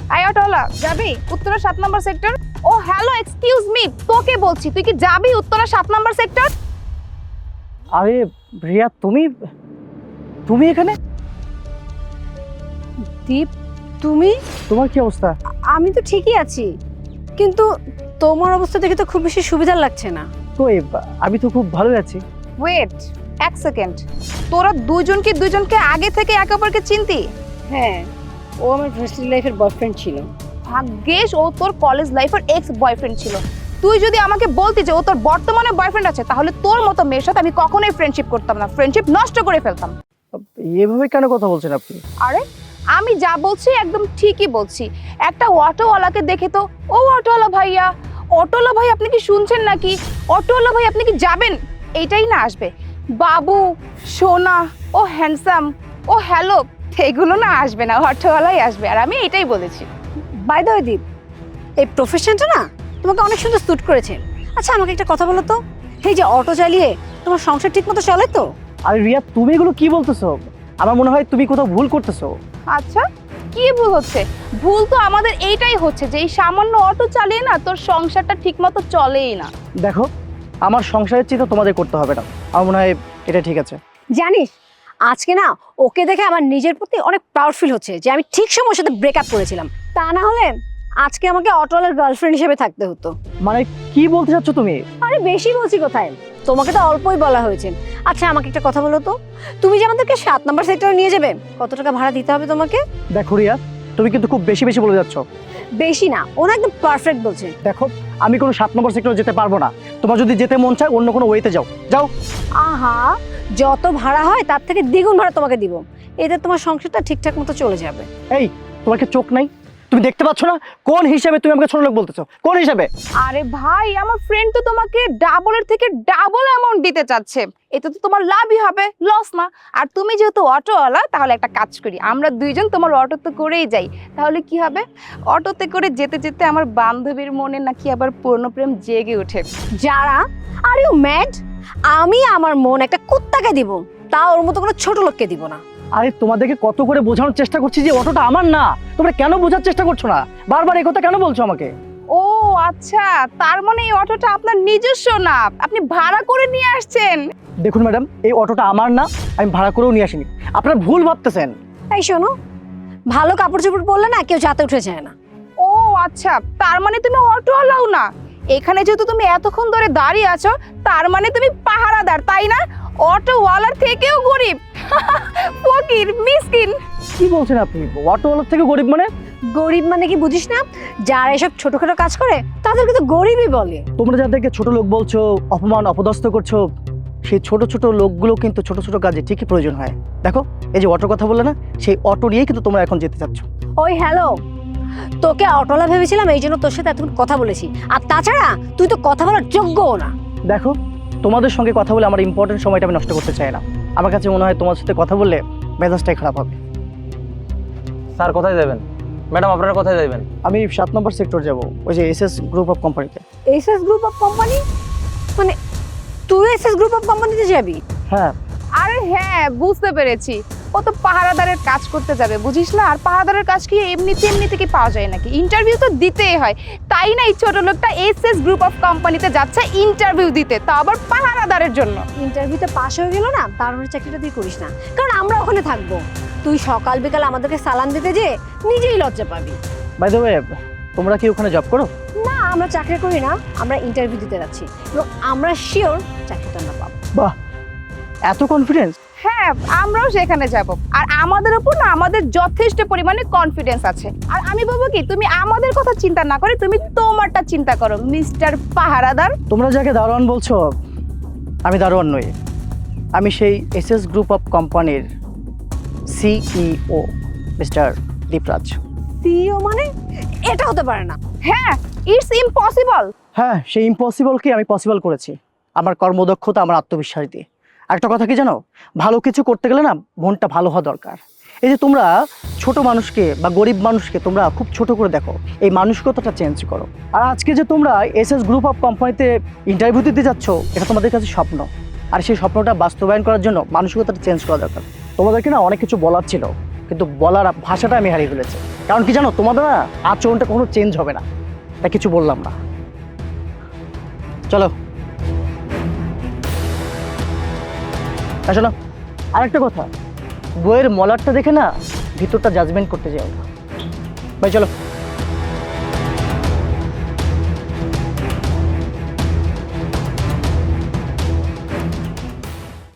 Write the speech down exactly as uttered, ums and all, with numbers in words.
I অটোলা যাবি উত্তরা সাত নম্বর সেক্টর? ও হ্যালো এক্সকিউজ মি, তোকে বলছি তুই কি যাবি উত্তরা সাত নম্বর সেক্টর? আরে রিয়া, তুমি তুমি এখানে? দীপ, তুমি? তোমার কি অবস্থা? আমি তো ঠিকই আছি, কিন্তু তোমার অবস্থা দেখে তো খুব বেশি সুবিধার লাগছে না। তো আমি তো খুব ভালোই আছি। ওয়েট এক সেকেন্ড, তোরা দুজন কি দুজনকে আগে থেকে একে অপরকে চিনতি? হ্যাঁ, ও আমার ভার্সিটি লাইফের বয়ফ্রেন্ড ছিল। ভাগ্যেশ ও তোর কলেজ লাইফের এক্স বয়ফ্রেন্ড ছিল। তুই যদি আমাকে বলতি যে ও তোর বর্তমানে বয়ফ্রেন্ড আছে, তাহলে তোর মতো মেয়ের সাথে আমি কখনোই ফ্রেন্ডশিপ করতাম না, ফ্রেন্ডশিপ নষ্ট করে ফেলতাম। এভাবে কেন কথা বলছেন আপনি? আরে আমি যা বলছি একদম ঠিকই বলছি। একটা অটোওয়ালাকে দেখে তো, ও অটোওয়ালা ভাইয়া, অটোওয়ালা ভাই আপনি কি শুনছেন নাকি, অটোওয়ালা ভাই আপনি কি যাবেন, এইটাই না আসবে। বাবু, সোনা, ও হ্যান্ডসাম, ও হ্যালো, এগুলো না আসবে না, অটোওয়ালাই আসবে। আর আমি এটাই বলেছি। বাই দ্য ওয়ে দীপ, এই প্রফেশনটা না তোমাকে অনেক সুন্দর স্যুট করেছে। আচ্ছা আমাকে একটা কথা বলো তো, এই যে অটো চালিয়ে তোমার সংসার ঠিক মতো চলে তো? আরে রিয়া, তুমি এগুলো কি বলতেছো? আমার মনে হয় তুমি কোথাও ভুল করতেছো। আচ্ছা কি ভুল হচ্ছে? ভুল তো আমাদের এইটাই হচ্ছে যে এই সামান্য অটো চালিয়ে না তোর সংসারটা ঠিকমতো চলেই না। দেখো, আমার সংসারের চিন্তা তোমাদের করতে হবে না, আমার মনে হয় এটা ঠিক আছে। জানিস, আজকে না ওকে দেখে আমার নিজের প্রতি অনেক প্রাউড ফিল হচ্ছে যে আমি ঠিক সময় ওর সাথে ব্রেকআপ করেছিলাম। তা না হলে আজকে আমাকে অটোওয়ালার গার্লফ্রেন্ড হিসেবে থাকতে হতো। মানে কি বলতে চাচ্ছ তুমি? আরে বেশি বলছি কোথায়, তোমাকে তো অল্পই বলা হয়েছে। আচ্ছা আমাকে একটা কথা বলো তো, তুমি যে আমাদেরকে সাত নম্বর সেক্টরে নিয়ে যাবে, কত টাকা ভাড়া দিতে হবে তোমাকে? দেখো রিয়া, তুমি কিন্তু খুব বেশি বেশি বলে যাচ্ছ। বেশি না, ও না একদম পারফেক্ট বলছে। দেখো, আমি কোনো সাত নম্বর সেক্টরে যেতে পারবো না। তোমার যদি যেতে মন চায় অন্য কোনো ওয়েতে যাও যাও। আহা, যত ভাড়া হয় তার থেকে দ্বিগুণ ভাড়া তোমাকে দিব, এতে তোমার সংসারটা ঠিকঠাক মতো চলে যাবে। এই, তোমার কি চোখ নাই? তুমি দেখতে পাচ্ছ না কোন হিসাবে তুমি আমাকে ছোট লোক বলতেছো? কোন হিসাবে? আরে ভাই, আমার ফ্রেন্ড তো তোমাকে ডাবলের থেকে ডাবল অ্যামাউন্ট দিতে চাচ্ছে, এতে তো তোমার লাভই হবে, লস না। আর তুমি যেহেতু অটোওয়ালা, তাহলে একটা কাজ করি, আমরা দুইজন তোমার অটোতে করেই যাই। তাহলে কি হবে, অটোতে করে যেতে যেতে আমার বান্ধবীর মনে নাকি আবার পূর্ণপ্রেম জেগে ওঠে। যারা, আর ইউ ম্যাড? আমি আমার মন একটা কুত্তাকে দিব, তা ওর মতো কোনো ছোট লোককে দিব না। আরে তোমাদেরকে কত করে বোঝানোর চেষ্টা করছি যে অটোটা আমার না, তোমরা কেন বোঝার চেষ্টা করছো না? বারবার এই কথা কেন বলছো আমাকে? ও আচ্ছা, তার মানে এই অটোটা আপনার নিজস্ব না, আপনি ভাড়া করে নিয়ে আসছেন। দেখুন ম্যাডাম, এই অটোটা আমার না, আমি ভাড়া করেও নিয়ে আসিনি। আপনারা ভুল ভাবতেছেন। এই শোনো, ভালো কাপড় চোপড় পরলে না কেউ যাতে উঠে যায় না। ও আচ্ছা, তার মানে তুমি অটোওয়ালাও না। এখানে যেহেতু তুমি এতক্ষণ ধরে দাঁড়িয়ে আছো, তার মানে তুমি পাহারাদার, তাই না? অটোওয়ালার থেকেও গরিব, ফকির, মিসকিন। কি বলছেন আপনি? অটোওয়ালার থেকে গরিব মানে? গরিব মানে কি বুঝিস না? যারা এসব ছোটখাটো কাজ করে তাদেরকে তো গরিবই বলে। তোমরা যাদেরকে ছোট লোক বলছো, অপমান অপদস্থ করছো, সেই ছোট ছোট লোকগুলো কিন্তু ছোট ছোট কাজে ঠিকই প্রয়োজন হয়। দেখো, এই যে অটোর কথা বললে না, সেই অটো নিয়েই কিন্তু তোমরা এখন যেতে চাচ্ছ। ওই হ্যালো, তোকে অটোলা ভেবেছিলাম, এই জন্য তোর সাথে এতক্ষণ কথা বলেছি। আর তাছাড়া তুই তো কথা বলার যোগ্যও না। দেখো, তোমাদের সঙ্গে কথা বলে আমার ইম্পর্টেন্ট সময়টা আমি নষ্ট করতে চাই না। আমার কাছে মনে হয় তোমার সাথে কথা বললে মেজাজটাই খারাপ হবে। স্যার কোথায় যাবেন? ম্যাডাম আপনারা কোথায় যাবেন? আমি সাত নম্বর সেক্টর যাব, ওই যে এস এস গ্রুপ অফ কোম্পানিতে। SS group of company? মানে তুই এসএস গ্রুপ অফ কোম্পানিতে যাবি? হ্যাঁ। আরে হ্যাঁ, বুঝতে পেরেছি, ও তো পাহারাদারের কাজ করতে যাবে, বুঝিস না? আর পাহারাদারের কাজ কি এমনিতে এমনিতে কি পাওয়া যায় নাকি? ইন্টারভিউ তো দিতেই হয়, তাই না এই ছোট লোকটা এসএস গ্রুপ অফ কোম্পানিতে যাচ্ছে ইন্টারভিউ দিতে, তা আবার পাহারাদারের জন্য। ইন্টারভিউতে পাশ হয়ে গেল না, তার মানে চাকরিটা তুই করিস না, কারণ আমরা ওখানে থাকবো। তুই সকাল বিকাল আমাদেরকে সালাম দিতে যে নিজেই লজ্জা পাবি। বাই দ্য ওয়ে, তোমরা কি ওখানে জব করো? না, আমরা চাকরি করি না, আমরা ইন্টারভিউ দিতে যাচ্ছি এবং আমরা শিওর চাকরিটা আমরা পাবো। বাহ, এত কনফিডেন্স! হ্যাঁ, আমরাও সেখানে যাব, আর আমাদের উপর না আমাদের যথেষ্ট পরিমাণে কনফিডেন্স আছে। আর আমি বলবো কি, তুমি আমাদের কথা চিন্তা না করে তুমি তোমারটা চিন্তা করো, মিস্টার পাহারাদার। তোমরা যাকে দারোয়ান বলছো, আমি দারোয়ান নই, আমি সেই এস এস গ্রুপ অফ কোম্পানির সিইও মিস্টার দীপরাজ। সিইও মানে? এটা হতে পারে না। হ্যাঁ, ইটস ইম্পসিবল। হ্যাঁ, সেই ইম্পসিবলকে আমি পসিবল করেছি আমার কর্মদক্ষতা, আমার আত্মবিশ্বাস দিয়ে। একটা কথা কি জানো, ভালো কিছু করতে গেলে না মনটা ভালো হওয়া দরকার। এই যে তোমরা ছোট মানুষকে বা গরিব মানুষকে তোমরা খুব ছোট করে দেখো, এই মানসিকতাটা চেঞ্জ করো। আর আজকে যে তোমরা এস এস গ্রুপ অফ কোম্পানিতে ইন্টারভিউ দিতে যাচ্ছ, এটা তোমাদের কাছে স্বপ্ন, আর সেই স্বপ্নটা বাস্তবায়ন করার জন্য মানসিকতাটা চেঞ্জ করা দরকার। তোমাদেরকে না অনেক কিছু বলার ছিল, কিন্তু বলার ভাষাটা আমি হারিয়ে ফেলেছি। কারণ কি জানো, তোমাদের না আচরণটা কখনো চেঞ্জ হবে না, তাই কিছু বললাম না। চলো আসো না। আরেকটা কথা, বইয়ের মলারটা দেখে না ভিতরটা জাজমেন্ট করতে যাও না। ভাই চলো।